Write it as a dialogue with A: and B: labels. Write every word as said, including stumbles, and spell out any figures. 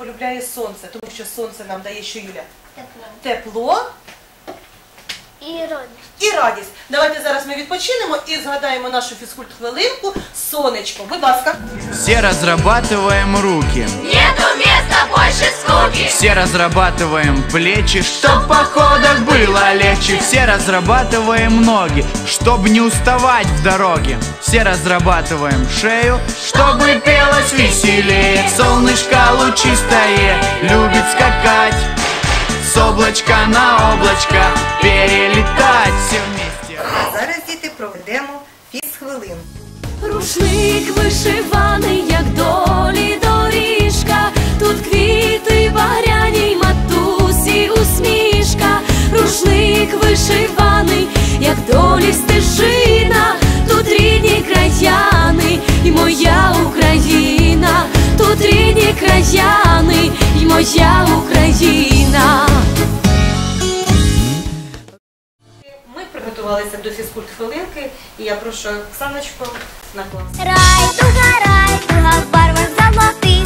A: полюбляє сонце, тому що сонце нам дає що, Юля?
B: Тепло.
A: Тепло
B: І радість.
A: і радість. Давайте зараз ми відпочинемо і згадаємо нашу фізкульт-хвилинку «Сонечко». Будь ласка.
C: Все разрабатываем руки.
B: Нету места больше скуки.
C: Все разрабатываем плечи, чтоб в походах было легче. Все разрабатываем ноги, чтоб не уставать в дороге. Все разрабатываем шею, чтобы пелось веселее. Солнышко лучистое любит скакать, с облачка на облачко перелетать все вместе.
A: А зараз, діти, проведемо фізхвилинку.
D: Рушник вишиваний, як долі доріжка, тут квіти багряні й матусі усмішка. Рушник вишиваний, як долі стежина, тут рідні краяни і моя Україна, тут рідні краяни і моя Україна.
A: Ми приготувалися до фізкульт-хвилинки, і я прошу Оксаночку на клас.
B: Райдуга, райдуга, в барвах золотих,